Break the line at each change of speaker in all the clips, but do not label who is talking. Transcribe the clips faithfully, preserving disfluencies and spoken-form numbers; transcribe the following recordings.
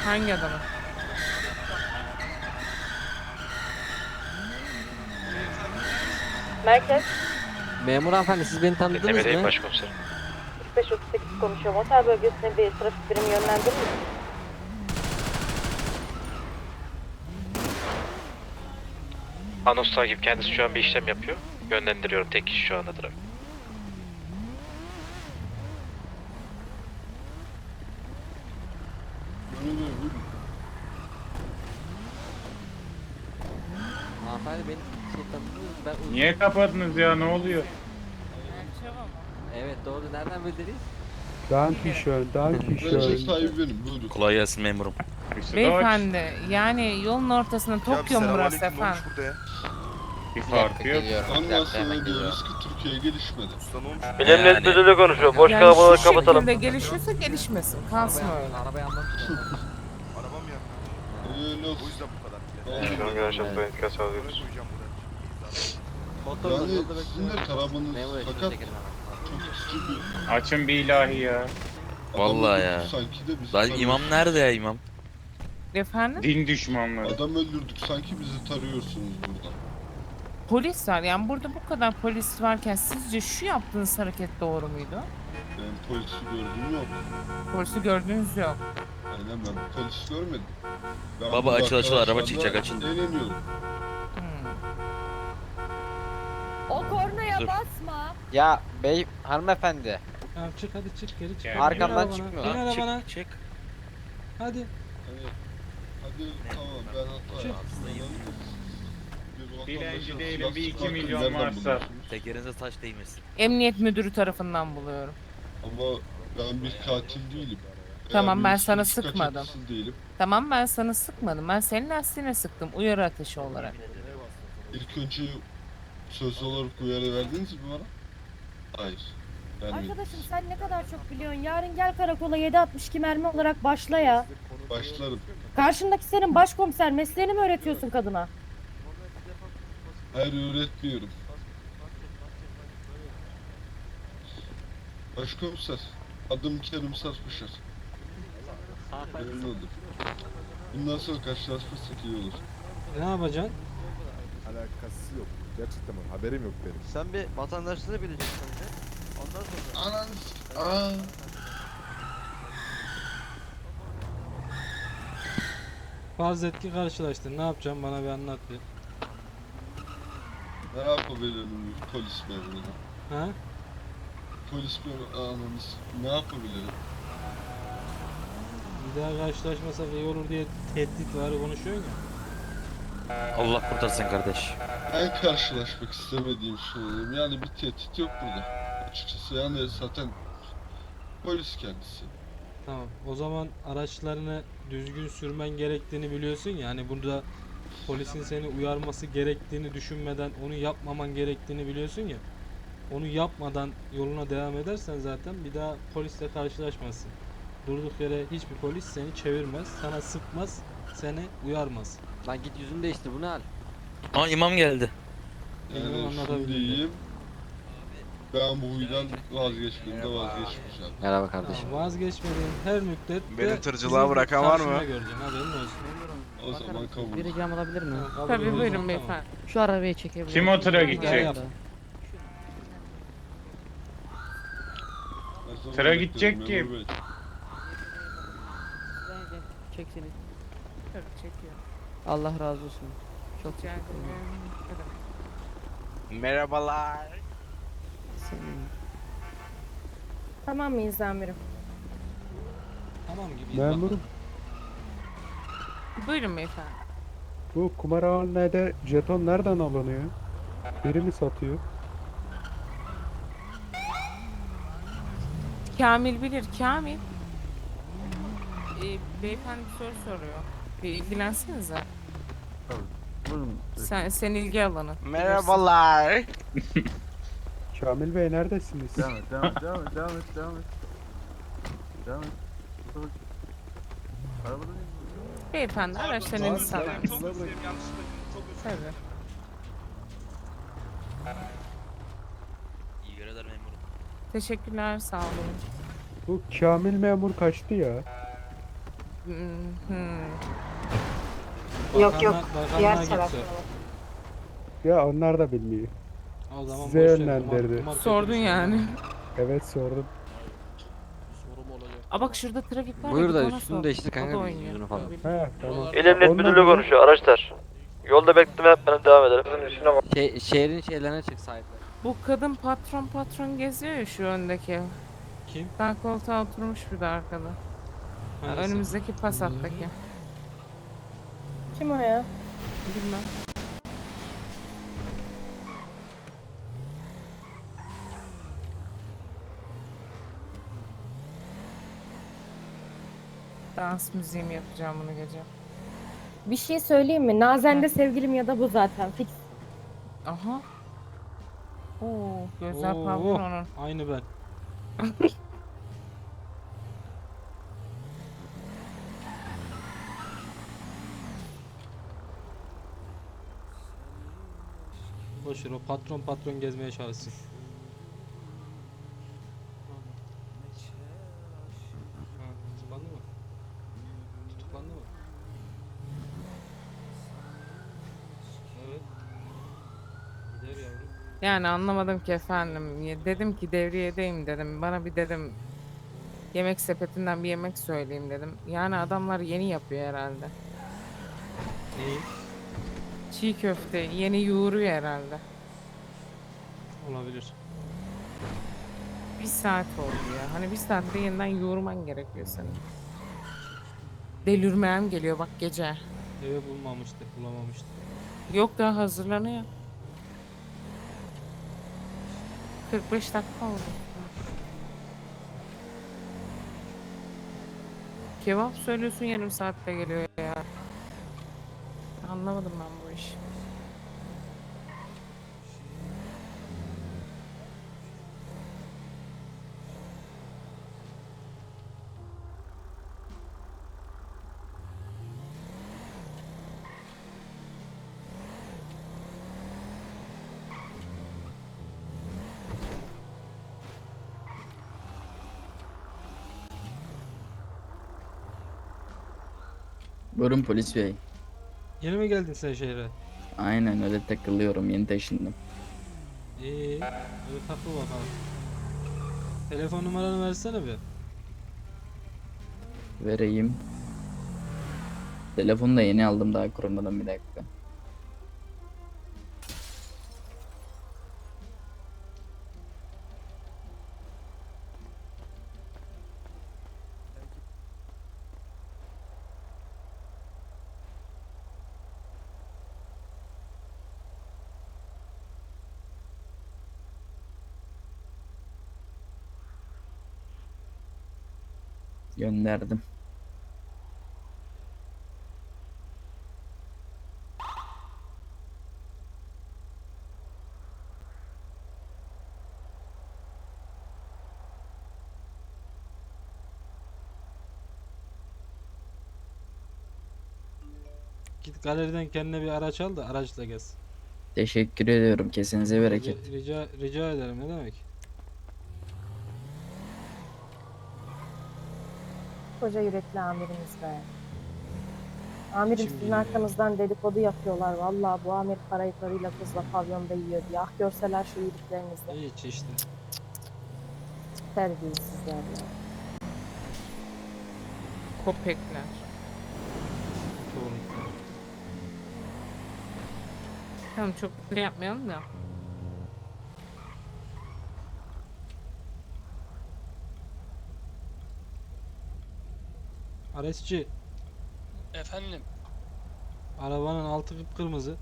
Hangi adamı?
Merkez
Memur hanımefendi siz beni tanıdınız
Dinlemedeyim
mı?
başkomiserim.
kırk beş otuz sekiz konuşuyor. Motel bölgesine bir trafik birimi yönlendirir misin?
Anons takip kendisi şu an bir işlem yapıyor. Yönlendiriyorum tek kişi şu anda trafik.
Hanımefendi beni şey tanıdınız mı? Ben
Niye kapadınız ya, ne oluyor?
Evet doğru, nereden bildiniz?
Dankeschön, Dankeschön.
sahibi benim, buyurun.
Kolay gelsin memurum.
İşte
Beyefendi yani yolun ortasında Tokyo mu burası efendim?
bir farkı yok.
Ondan sonra diyoruz ki Türkiye gelişmedi.
Bilim net müdürlüğü konuşuyor. Boş
Yani
kalabalığı
şu
kapatalım.
şekilde gelişiyorsa gelişmesin. Kalsın öyle.
Arabayı anlatın.
Öyle olsun.
Şunu görüşürüz. Dikkat sağlıyoruz.
Motor
Yani
yolda
sizin de taramanız
Memur ekmek
fakat
çekelim hemen.
çok sıkı bir
Açın bir ilahi ya.
adam
Vallahi ya.
öldürdük sanki de bizi
Lan
tarıyorsunuz.
imam nerede ya imam?
Efendim?
Din düşmanları.
Adam öldürdük sanki bizi tarıyorsunuz burada.
Polis var yani burada bu kadar polis varken sizce şu yaptığınız hareket doğru muydu?
Ben polisi gördüm yok.
Polisi gördüğünüz yok.
Aynen ben polis görmedim. Ben
Baba,
burada
açıl, açıl, araba
arkadaşlarla
çıkacak, açıl.
Eğleniyorum.
Hmm.
O kornaya
Dur.
basma.
Ya bey hanımefendi.
Tamam çık hadi çık geri çık.
Gel.
Bin
Arkamdan
arabana,
çıkmıyor
bin
lan.
arabana.
Çık çık.
Hadi.
Hani, hadi tamam ben hata
Çık.
yaptım. Bir
Dilenci
vatandaşa
değilim,
silah
bir iki
sıkarken
milyon
nereden
varsa.
buluyorsunuz?
Tekerinize taş değmesin.
Emniyet müdürü tarafından buluyorum.
Ama ben bir katil değilim.
Tamam,
Eğer
ben
bir
sana
suç
sıkmadım.
kaçakçısı değilim.
Tamam ben sana sıkmadım. Ben senin lastiğine sıktım. Uyarı ateşi olarak.
İlk önce söz olarak uyarı verdiniz mi bana? Hayır. Vermedim.
Arkadaşım sen ne kadar çok biliyorsun. Yarın gel karakola yedi altmış iki mermi olarak başla ya.
Başlarım.
Karşındaki senin başkomiser, mesleğini mi öğretiyorsun kadına?
Hayır öğretmiyorum. Başkomiser. Adım Kerim Sarpışar. Memnun oldum. Bundan sonra karşılaşırsak iyi olur.
Ne yapacaksın?
Alakası yok. Gerçekten var. Haberim yok benim.
Sen bir vatandaşlığı bileceksin önce. Ondan sonra.
Ananı Aaa.
Farz et ki karşılaştın. Ne yapacaksın bana bir anlat bir.
Ne yapabilirim bir polis memuru?
Ha?
Polis memuru ananız. Ne yapabilirim?
Bir daha karşılaşmasak iyi olur diye tehdit var konuşuyorsun ya.
Allah kurtarsın kardeş.
Ben karşılaşmak istemediğim söyleyeyim. Yani bir tehdit yok burada. Açıkçası yani zaten polis kendisi.
Tamam. O zaman araçlarını düzgün sürmen gerektiğini biliyorsun ya. Hani burada polisin seni uyarması gerektiğini düşünmeden onu yapmaman gerektiğini biliyorsun ya. Onu yapmadan yoluna devam edersen zaten bir daha polisle karşılaşmazsın. Durduk yere hiçbir polis seni çevirmez, sana sıkmaz, seni uyarmaz.
Lan git yüzünü değiştir, bu ne hal?
Aa imam geldi.
Benim
Yani şunu
anlatabildim de.
diyeyim. Ben bu huydan vazgeçmediğimde vazgeçmeyeceğim.
Merhaba kardeşim.
Tamam, vazgeçmediğin her müddet
Beni tırcılığa bırakan var mı?
Göreceksin, haberin olsun.
O zaman kabul.
Bir ricam olabilir mi?
Tamam, kabul
Tabii
ediyorsan
buyurun
tamam.
beyefendi.
Şu arabayı çekebilir
Kim
miyim?
o tıra
Ben
gidecek?
yap.
Her zaman
Sıra
beklerim,
gidecek
memur
kim?
bey.
Çek seni.
Tabii çekiyor.
Allah razı olsun. Çok
Rica
teşekkür ederim.
ederim.
Merhabalar.
Senin.
Tamam mıyız amirim?
Tamam gibi.
Memurum,
Buyurun beyefendi.
bu kumarhanede jeton nereden alınıyor? Biri mi satıyor?
Kamil bilir. Kamil. Ee, beyefendi bir soru soruyor. Bir ilgilensenize. Sen, sen ilgi alanı.
Merhabalar.
Kamil Bey neredesiniz?
Devam et, devam et, devam et, devam et, devam et. Devam et. Burada bak. Arabada değil mi?
Beyefendi araçtan iniş sağlar mısınız?
Burada bak.
Tabii.
İyi görevler memurum.
Teşekkürler. Sağ olun.
Bu Kamil memur kaçtı ya.
Hmm, hmm.
Yok,
Bakanlar-
yok.
bakanlar
Diğer
git
tarafta.
sor.
Ya onlar da bilmiyor.
O zaman
Size
boş ver,
yönlendirdi.
kumar- kumar kötü
Sordun
bir şey.
yani.
Evet sordum.
Aa bak şurada trafik var.
Buyur
git
da
ona
üstünü
sor.
değiştir
O
kanka
da
biz
oynuyor.
yüzünü falan.
He tamam.
İl Emniyet
Onlar
Müdürlüğü
ne?
konuşuyor araçlar. Yolda bekleme yapmadan devam edelim.
Şey, şehrin şeylerine çık sahipler.
Bu kadın patron patron geziyor ya şu öndeki.
Kim?
Sağ koltuğa oturmuş bir de arkada. Ha,
Hangisi?
önümüzdeki Passat'taki.
Kim o ya?
Bilmem. Dans müziği mi yapacağım bunu gece?
Bir şey söyleyeyim mi? Nazen'de sevgilim ya da bu zaten. Fix.
Aha. Oo, gözler
Oo,
parlıyor onun.
Aynı ben. Boşver o patron patron gezmeye çalışsın. Ha, tutuklandı mı? Tutuklandı mı? Evet. Gider yavrum.
Yani anlamadım ki efendim. Ya dedim ki devriyedeyim dedim. Bana bir dedim yemek sepetinden bir yemek söyleyeyim dedim. Yani adamlar yeni yapıyor herhalde.
Neyi?
Çiğ köfte yeni yoğuruyor herhalde.
Olabilir.
Bir saat oldu ya. Hani bir saatte yeniden yoğurman gerekiyor senin. Delirmem geliyor bak gece.
Eve bulmamıştı, bulamamıştı.
Yok daha hazırlanıyor. kırk beş dakika oldu. Kebap söylüyorsun yarım saatte geliyor ya. Anlamadım ben bu işi.
Buyurun polis bey.
Yeni mi geldin sen şehre?
Aynen öyle takılıyorum, yeni taşındım.
İyi. Hadi takıl bakalım. Telefon numaranı versene bir.
Vereyim. Telefonu da yeni aldım daha kurmadan, bir dakika. Gönderdim.
Git galeriden kendine bir araç al da araçla gez.
Teşekkür ediyorum. Kesinize bereket.
Rica, rica, rica ederim ne demek?
Koca yürekli amirimiz be. Amirim
Kim
sizin
bilir ya.
arkanızdan dedikodu yapıyorlar. Vallahi bu amir parayı karıyla kızla pavyonda yiyor diye. Ah görseler şu iyiliklerinizi.
Hiç işte.
Terbiyesizler ya.
Köpekler.
Çoğunlukla.
Tamam çok şey yapmayalım da.
Aresçi,
Efendim?
arabanın altı kıpkırmızı.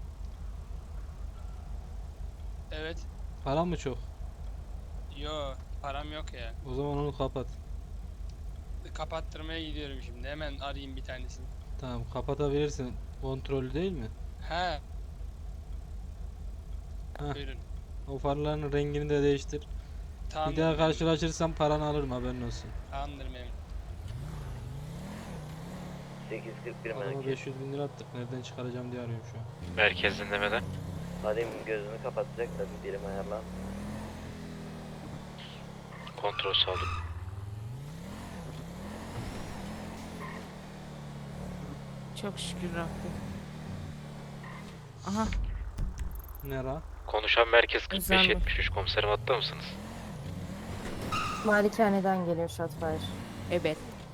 Evet.
Para mı çok?
Yo, param yok ya.
O zaman onu kapat.
Kapattırmaya gidiyorum şimdi. Hemen arayayım bir tanesini.
Tamam kapatabilirsin. Kontrollü değil mi?
He.
Heh.
Buyurun.
O farların rengini de değiştir.
Tamam.
Bir daha karşılaşırsam paranı alırım haberin olsun.
Tamamdır memnun.
sekiz kırk bir
Adama beş yüz bin lira attık. Nereden çıkaracağım diye arıyorum şu an.
Merkez dinlemede.
Arayayım gözünü kapatacak da bir birim ayarlan.
Kontrol sağladım.
Çok şükür Rabbim. Aha.
Nera?
Konuşan merkez kırk beş
Özel mi?
yetmiş üç komiserim hatta mısınız?
Malikaneden geliyor Shotfire.
Evet.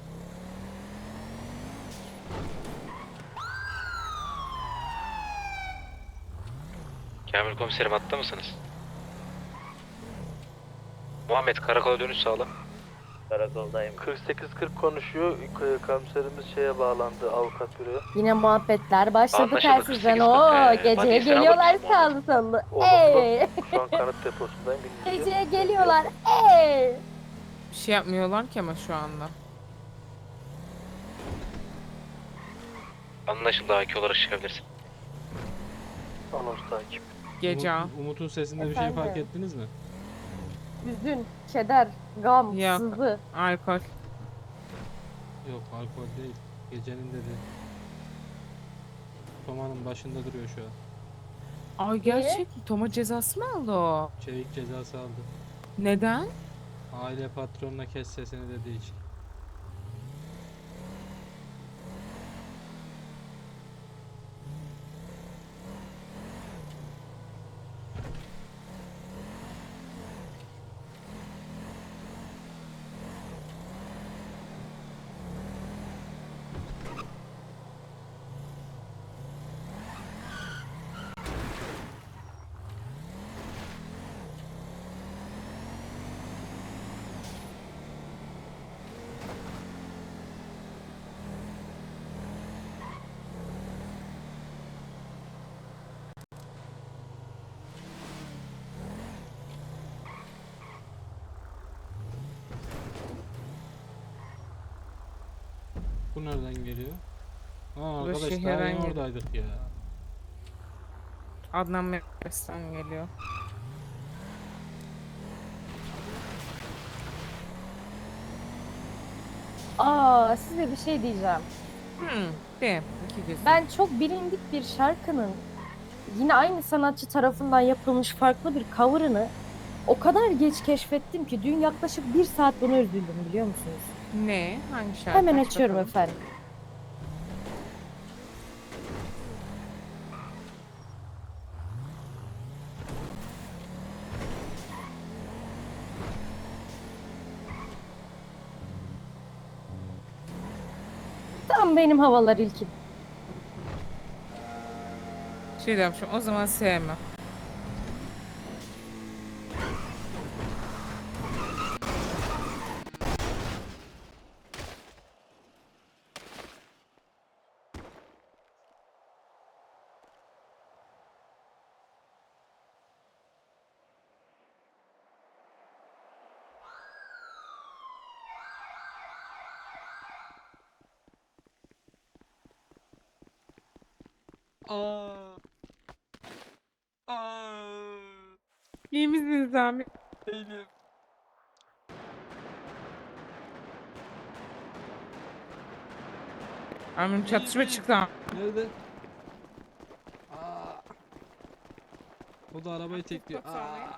Kamil komiserim hatta mısınız? Muhammed karakola dönüş sağla.
Karakoldayım. kırk sekiz kırk konuşuyor. K- Komiserimiz şeye bağlandı avukat büroya.
Yine muhabbetler başladı
Anlaşıldı,
telsizden.
kırk sekiz
Oo,
kırk, ee,
geceye
Madis'e
geliyorlar
alır mısın
sağlı sollu.
Olumlu.
Ey!
Şu an kanıt deposundayım. bilginiz yok.
Geceye geliyorlar. Ey!
Bir şey yapmıyorlar ki ama şu anda.
Anlaşıldı, A K olarak çıkabilirsin.
Anons takip.
Gece.
Umut- Umut'un sesinde bir şey fark
Efendim?
ettiniz mi?
Hüzün, keder, gam,
Yok.
sızı.
Alkol.
Yok, alkol değil. Gecenin dedi. Toma'nın başında duruyor şu an.
Ay gerçek mi? Toma cezası mı aldı o?
Çevik cezası aldı.
Neden?
Aile patronuna kes sesini dediği için. Bu nereden geliyor? Aa,
Bu
arkadaş daha
şehirden
yeni
geliyor.
oradaydık ya.
Adnan Mekbes'ten geliyor.
Aa, size bir şey diyeceğim.
Hmm, de. İki gözüm.
Ben çok bilindik bir şarkının yine aynı sanatçı tarafından yapılmış farklı bir cover'ını o kadar geç keşfettim ki dün yaklaşık bir saat buna üzüldüm biliyor musunuz?
Ne? Hangi şarkı?
Hemen
Aç
açıyorum
bakalım.
efendim. Tam benim havalar ilkim.
Şey demişim, o zaman sevmem.
Aa. Aa.
İyi misiniz abi?
Değilim.
Amirim çatışma çıktı. ha.
Nerede? Aa. O da arabayı tekliyor.
Çok sağ ol ya.
Aa.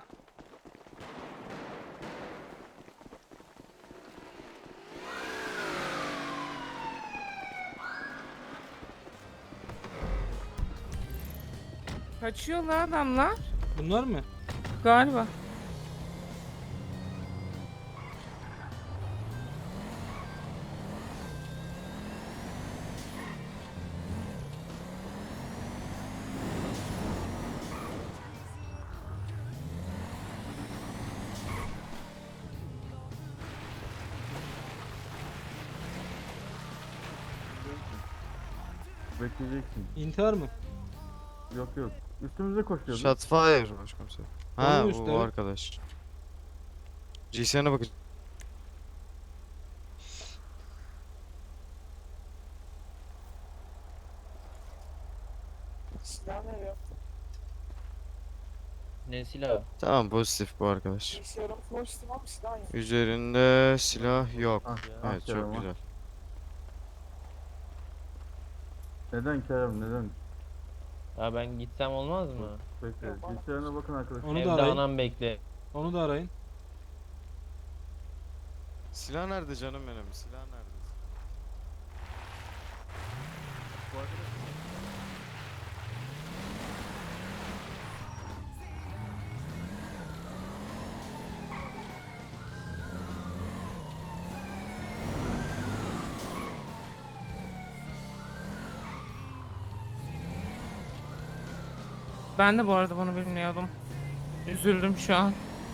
Kaçıyorlar adamlar.
Bunlar mı?
Galiba.
Bekleyeceksin.
İntihar mı?
Yok yok. Üstümüze koşuyordu.
Shotfire başkomiserim. Ha
Onun üstü,
bu
evet.
arkadaş. G C N'e bakın.
Ne silah?
Tamam pozitif bu arkadaş. Üzerinde silah yok.
Ah,
Evet
aferin
çok
ama.
güzel.
Neden Kerem neden?
Ya ben gitsem olmaz mı?
Bekle. Bilgisayarına bakın arkadaşlar.
Onu da arayın.
anam bekle.
Onu da arayın.
Silah nerede canım benim? Silah nerede?
Bu arkadaş
Ben de bu arada bunu bilmiyordum. Üzüldüm şu an.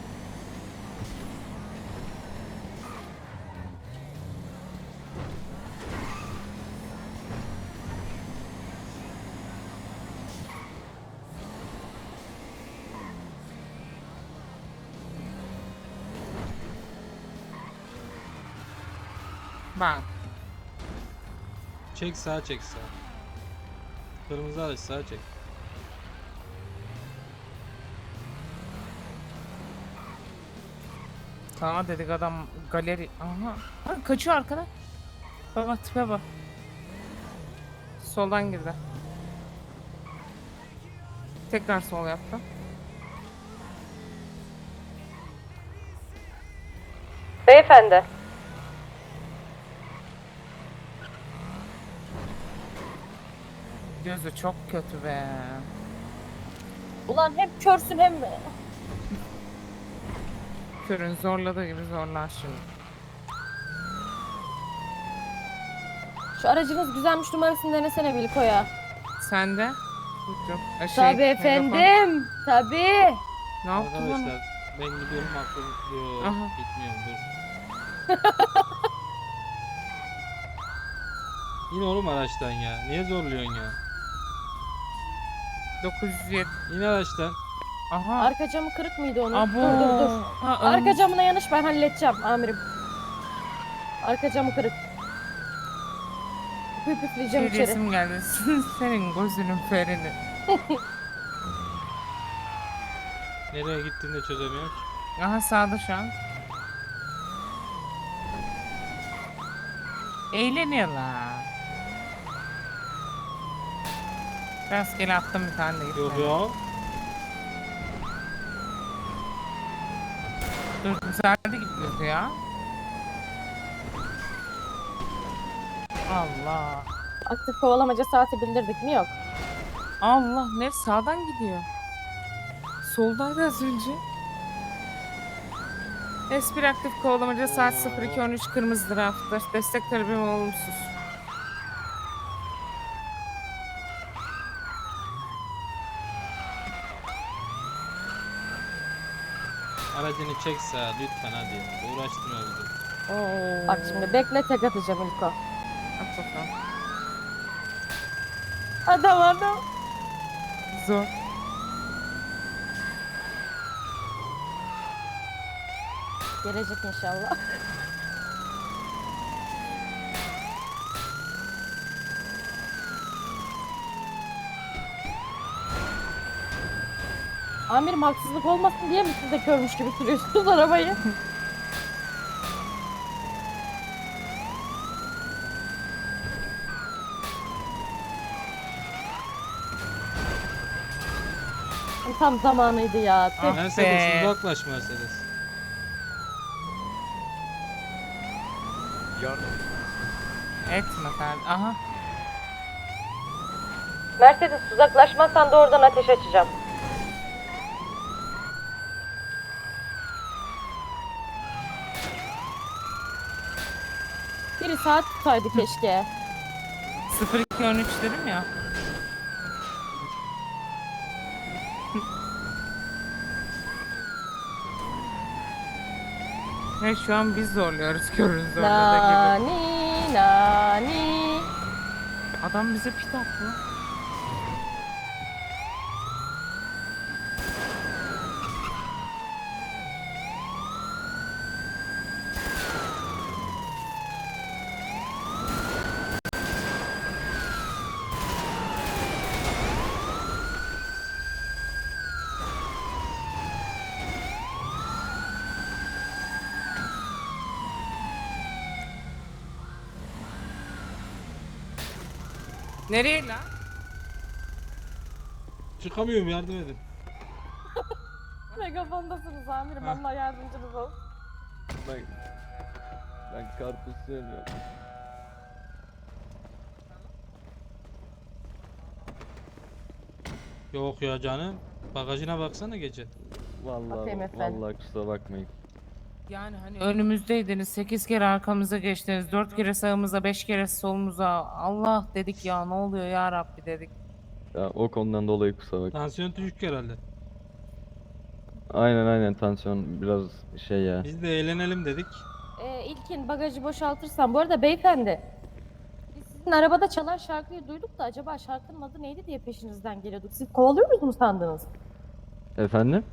Bak.
Çek sağa çek sağa. Kırmızı araç sağa çek.
Sana dedik adam galeri. Aha. Ha, kaçıyor arkada. Baba tipe bak. Soldan girdi. Tekrar sol yaptı.
Beyefendi.
Gözü çok kötü be.
Ulan hem körsün hem...
Körün zorladığı gibi zorlar şimdi.
Şu aracınız güzelmiş numarasını denesene Bilko'ya.
Sen de? Tuttum. Ha, şey,
Tabii
megafon.
efendim. Tabii.
Ne yaptın lan?
Arkadaşlar ben gidiyorum aklım yok
Aha.
gitmiyorum dur. İn oğlum araçtan ya. Niye zorluyorsun ya?
dokuz yüz yedi.
İn araçtan.
Aha.
Arka camı kırık mıydı onun?
Abo.
Dur dur dur.
Ha,
Arka
ön-
camına yanış ben halledeceğim amirim. Arka camı kırık. Püf püfleyeceğim
Şey
içeri.
resim geldi. Senin gözünün ferini.
Nereye gittiğini de çözemiyorum ki.
Aha sağda şu an. Eğleniyorlar. Rastgele attım bir tane de
Yok
gitmedi.
ya.
Dur güzeldi gidiyordu ya. Allah.
Aktif kovalamaca saati bildirdik mi? Yok.
Allah ne sağdan gidiyor. Soldaydı az önce. S bir aktif kovalamaca saat sıfır iki on üç kırmızıdır hafta. Destek talebim olumsuz.
Aracını çek sağa lütfen hadi. Uğraştırma bizi.
Oo.
Bak şimdi bekle tek atacağım İlko.
At bakalım.
Adam adam.
Zor.
Gelecek inşallah. Amirim haksızlık olmasın diye mi siz de körmüş gibi sürüyorsunuz arabayı? Tam zamanıydı ya. Tüh.
Ah
Mercedes
be.
uzaklaş Mercedes.
Etme kardeşim. Aha.
Mercedes uzaklaşmazsan da oradan ateş açacağım. Biri saat tutaydı keşke.
sıfır iki on üç dedim ya. Ve şu an biz zorluyoruz körün zorladığı gibi.
Nani nani.
Adam bize pit attı lan. Nereye lan?
Çıkamıyorum yardım edin.
Megafondasınız amirim.
Ha.
Allah yardımcınız olsun.
ben ben karpuz sevmiyorum.
Yok ya canım. Bagajına baksana gece.
Bakayım
Vallahi
efendim.
vallahi kusura bakmayın.
Yani hani önümüzdeydiniz, sekiz kere arkamıza geçtiniz, dört kere sağımıza, beş kere solumuza. Allah dedik ya, ne oluyor ya Rabbi dedik.
Ya o konudan dolayı kusura bakmayın.
Tansiyon düşük herhalde.
Aynen aynen tansiyon biraz şey ya.
Biz de eğlenelim dedik.
Ee, İlkin bagajı boşaltırsan. Bu arada beyefendi. Biz sizin arabada çalan şarkıyı duyduk da acaba şarkının adı neydi diye peşinizden geliyorduk. Siz kovalıyoruz mu sandınız?
Efendim?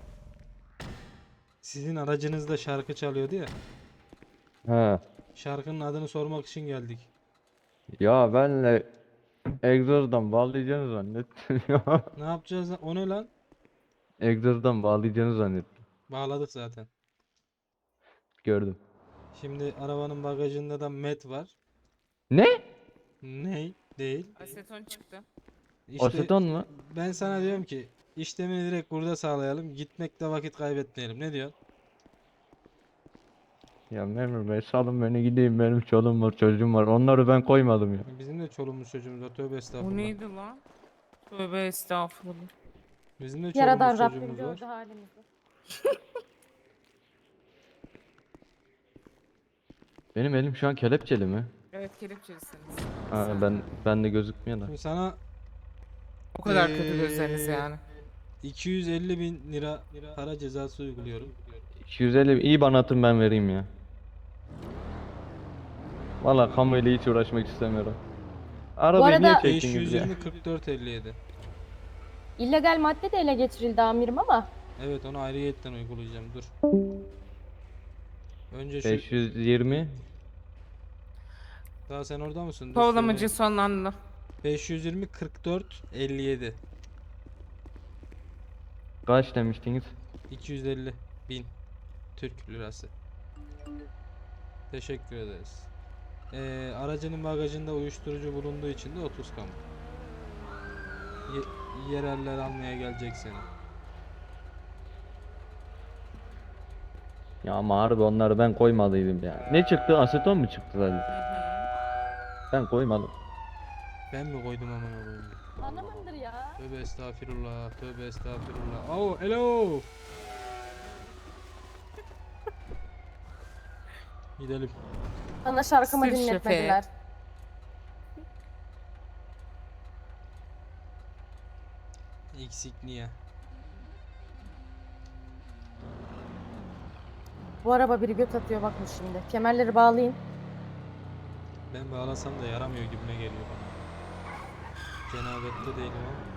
Sizin aracınızda şarkı çalıyordu ya.
Ha.
Şarkının adını sormak için geldik.
Ya benle egzozdan bağlayacağını zannettim ya.
Ne yapacağız lan? O ne lan?
Egzozdan bağlayacağını zannettim.
Bağladık zaten.
Gördüm.
Şimdi arabanın bagajında da met var.
Ne?
Ne? Değil.
Aseton çıktı.
İşte
Aseton mu?
ben sana diyorum ki işlemini direkt burada sağlayalım. Gitmekte vakit kaybetmeyelim. Ne diyorsun?
Ya memur bey salın beni gideyim, benim çoluğum var çocuğum var, onları ben koymadım ya.
Bizim de çoluğumuz çocuğumuz var. Tövbe
Bu
estağfurullah.
neydi lan? Tövbe estağfurullah.
Bizim de
Yaradan
çoluğumuz
Rabbim
çocuğumuz var.
gördü halimizi.
Benim elim şu an kelepçeli mi?
Evet, kelepçelisiniz.
Ha, ben ben de gözükmüyor da.
Şimdi sana
O kadar kötü
Ee,
gözleriniz yani.
iki yüz elli bin lira para cezası uyguluyorum.
iki yüz elli iyi bana atın, ben vereyim ya. Valla kamuyla hiç uğraşmak istemiyorum. Arabayı
arada-
niye çektiniz ya?
beş yüz yirmi kırk dört elli yedi.
İllegal madde de ele geçirildi amirim ama.
Evet, onu ayrıyetten uygulayacağım. Dur. Önce şu
beş yüz yirmi.
daha sen orada mısın? Dur
Kovalamacı
söyleyeyim.
sonlandı.
beş yüz yirmi kırk dört elli yedi.
Kaç demiştiniz?
iki yüz elli bin Türk lirası. Teşekkür ederiz. Ee, aracının bagajında uyuşturucu bulunduğu için de otuz kamu. Ye- yereller almaya gelecek seni.
Ya ama harbi onları ben koymalıydım ya. Ne çıktı? Aseton mu çıktı zaten? Ben koymadım.
Ben mi koydum aman koyayım?
Hanımındır ya.
Tövbe estağfirullah, tövbe estağfirullah. Oh, hello. Gidelim.
Bana şarkımı
Sır
dinletmediler.
Eksik niye?
Bu araba biri göt atıyor bakın şimdi. Kemerleri bağlayın.
Ben bağlasam da yaramıyor gibime geliyor bana. Cenabette değilim ama.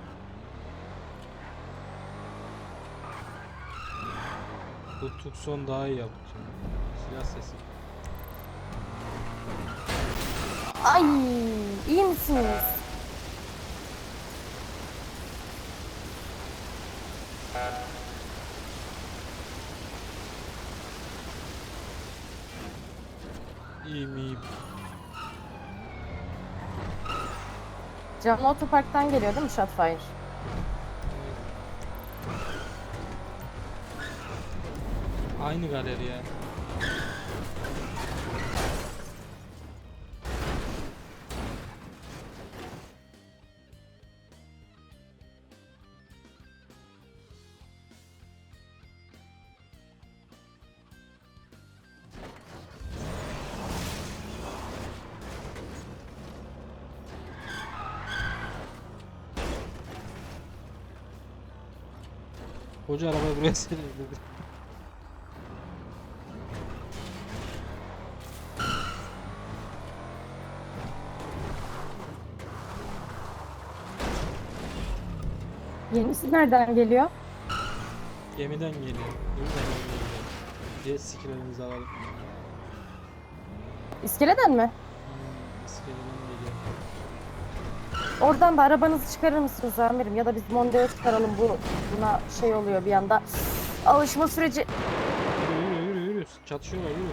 Bu Tucson daha iyi yaptı. Silah sesi.
Ay, iyi misiniz?
İyiyim iyiyim.
Canlı otoparktan geliyor değil mi Shotfire?
Aynı galeri ya. Koca arabayı buraya serdi.
Yenisi nereden geliyor?
Gemiden geliyor. Gemiden geliyor. Jet skilerimizi alalım.
İskeleden mi?
Hmm, iskeleden geliyor.
Oradan da arabanızı çıkarır mısınız amirim? Ya da biz Mondeo çıkaralım, bu buna şey oluyor bir anda. Alışma süreci.
Yürü yürü yürü yürü. Çatışıyorlar yürü.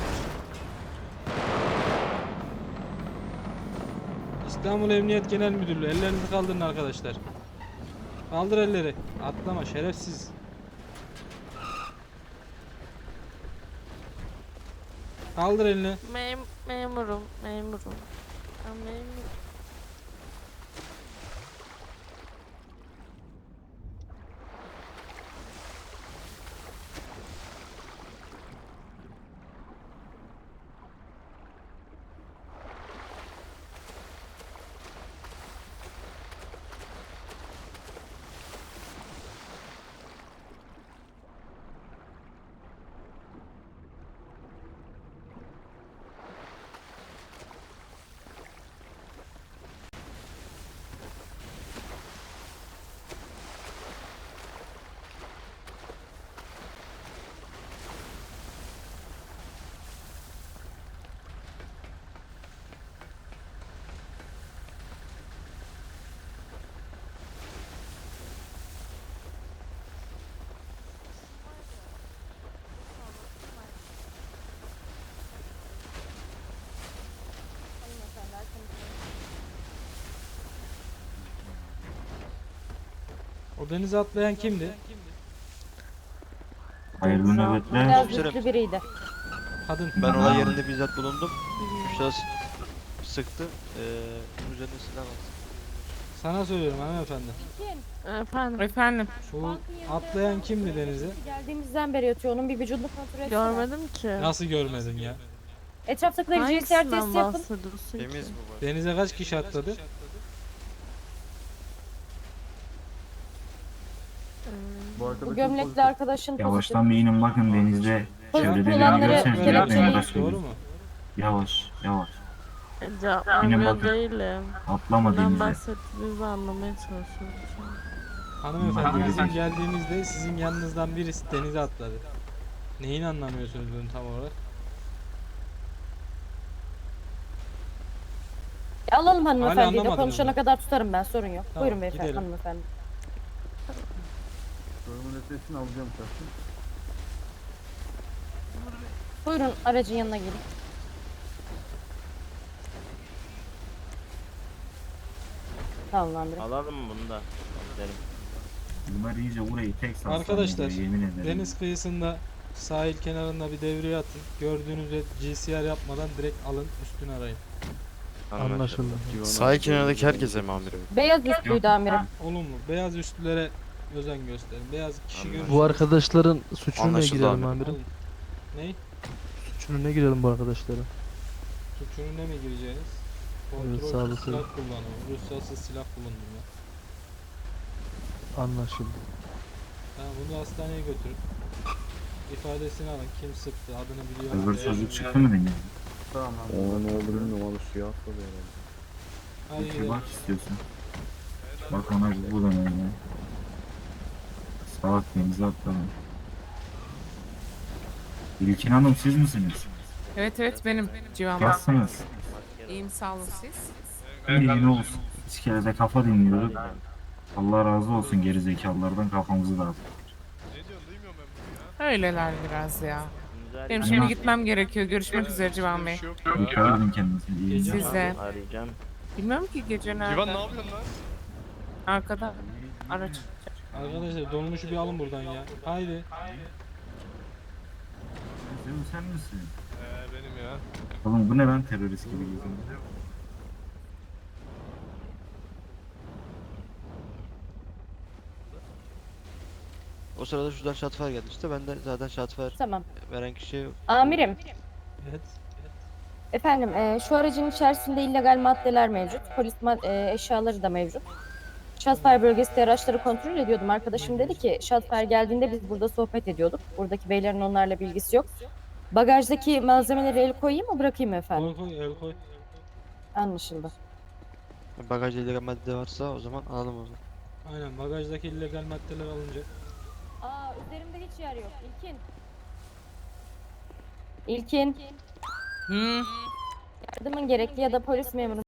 İstanbul Emniyet Genel Müdürlüğü, ellerinizi kaldırın arkadaşlar. Kaldır elleri. Atlama şerefsiz. Kaldır elini.
Mem memurum, memurum. Ben memurum.
O denize atlayan kimdi?
Hayırlı nöbetler.
Biraz güçlü biriydi.
Kadın.
Ben olay yerinde bizzat bulundum. Üç şahıs sıktı. Ee, bunun üzerine silah var.
Sana söylüyorum hanımefendi.
Efendim.
Efendim.
Bu atlayan kimdi denize?
Geldiğimizden beri yatıyor. Onun bir vücudunu kontrol etsene.
Görmedim ki.
Nasıl görmedin ya?
Etraftakileri G S R testi
Hangisinden
yapın.
bahsediyorsun ki?
Temiz bu.
Denize kaç kişi atladı?
Bu,
Bu
arkadaşın
gömlekli
pozitif.
arkadaşın pozitif.
bir inin bakın denizde.
Pozitif
Çevrede
olanları
görseniz
Görmedim.
kelepçeleyin.
başka
Doğru mu?
Yavaş yavaş.
E,
Cevaplamıyor değilim. Atlama
Neden
bahsettiğinizi anlamaya çalışıyorum şu an.
Hanımefendi bizim geldiğimizde sizin yanınızdan birisi denize atladı. Neyin anlamıyorsunuz bunu tam olarak?
E, alalım hanımefendiyi de
anlamadınız
konuşana
mı?
kadar tutarım ben, sorun yok.
Tamam,
Buyurun beyefendi,
gidelim.
hanımefendi.
Sorumun ötesini alacağım şahsım.
Buyurun aracın yanına gelin. Tamam amirim.
Alalım mı bunu da?
Bunlar iyice burayı tek satsan
Arkadaşlar,
yemin ederim.
Deniz kıyısında sahil kenarında bir devreye atın. Gördüğünüzde G C R yapmadan direkt alın üstünü arayın.
Anlaşıldı.
Sahil kenarındaki herkese mi amirim?
Beyaz üstlüydü amirim.
Olumlu. Beyaz üstlülere özen gösterin. Beyaz kişi
Anladım.
görürsünüz.
Bu arkadaşların suçuna
Anlaşıldı
girelim
amirim.
amirim.
Alın. Ney?
Suçuna girelim bu arkadaşlara.
Suçunun ne mi gireceğiniz?
Evet,
Kontrolsüz
sağlıklı.
silah kullanımı, ruhsatsız silah bulundurma.
Anlaşıldı.
Tamam, bunu hastaneye götürün. İfadesini alın. Kim sıktı, adını biliyor.
Öbür
veya
çocuk
bilmiyor.
çıktı mı denize?
Tamam abi.
O ne olur bilmiyorum onu suya atladı herhalde.
Hadi
Bir
gidelim.
bak istiyorsan. Bak ona bir bu da öyle. Salak denize atladı. İlkin Hanım siz misiniz?
Evet evet benim Civan Bey.
Nasılsınız?
İyiyim sağ olun siz.
İyi ne olsun. İki kere de kafa dinliyorduk. Allah razı olsun gerizekalılardan kafamızı dağıttık.
Öyleler biraz ya. Benim şimdi gitmem gerekiyor. Görüşmek üzere Civan Bey.
Dikkat edin kendinize. İyi
Gece-
günler.
Siz de.
Arayacağım.
Bilmiyorum ki gece nerede.
Civan ne yapıyorsun lan?
Arkada. Araç.
Arkadaşlar dolmuşu bir alın buradan ya. Haydi.
Sen, sen misin?
Ee, benim ya.
Oğlum bu ne lan terörist gibi geziyor.
O sırada şuradan şatfer geldi işte. Ben de zaten şatfer
Tamam.
veren kişi
Amirim,
Evet.
efendim e, şu aracın içerisinde illegal maddeler mevcut. Polis ma- e, eşyaları da mevcut. Shotfire bölgesinde araçları kontrol ediyordum. Arkadaşım dedi ki Shotfire geldiğinde biz burada sohbet ediyorduk. Buradaki beylerin onlarla bilgisi yok. Bagajdaki malzemeleri el koyayım mı bırakayım mı efendim?
Koy koy, el koy.
Anlaşıldı.
bagajda illegal madde varsa o zaman alalım o zaman.
Aynen, bagajdaki illegal maddeler alınacak.
Aa, üzerimde hiç yer yok. İlkin. İlkin.
Hı.
Yardımın gerekli ya da polis memuru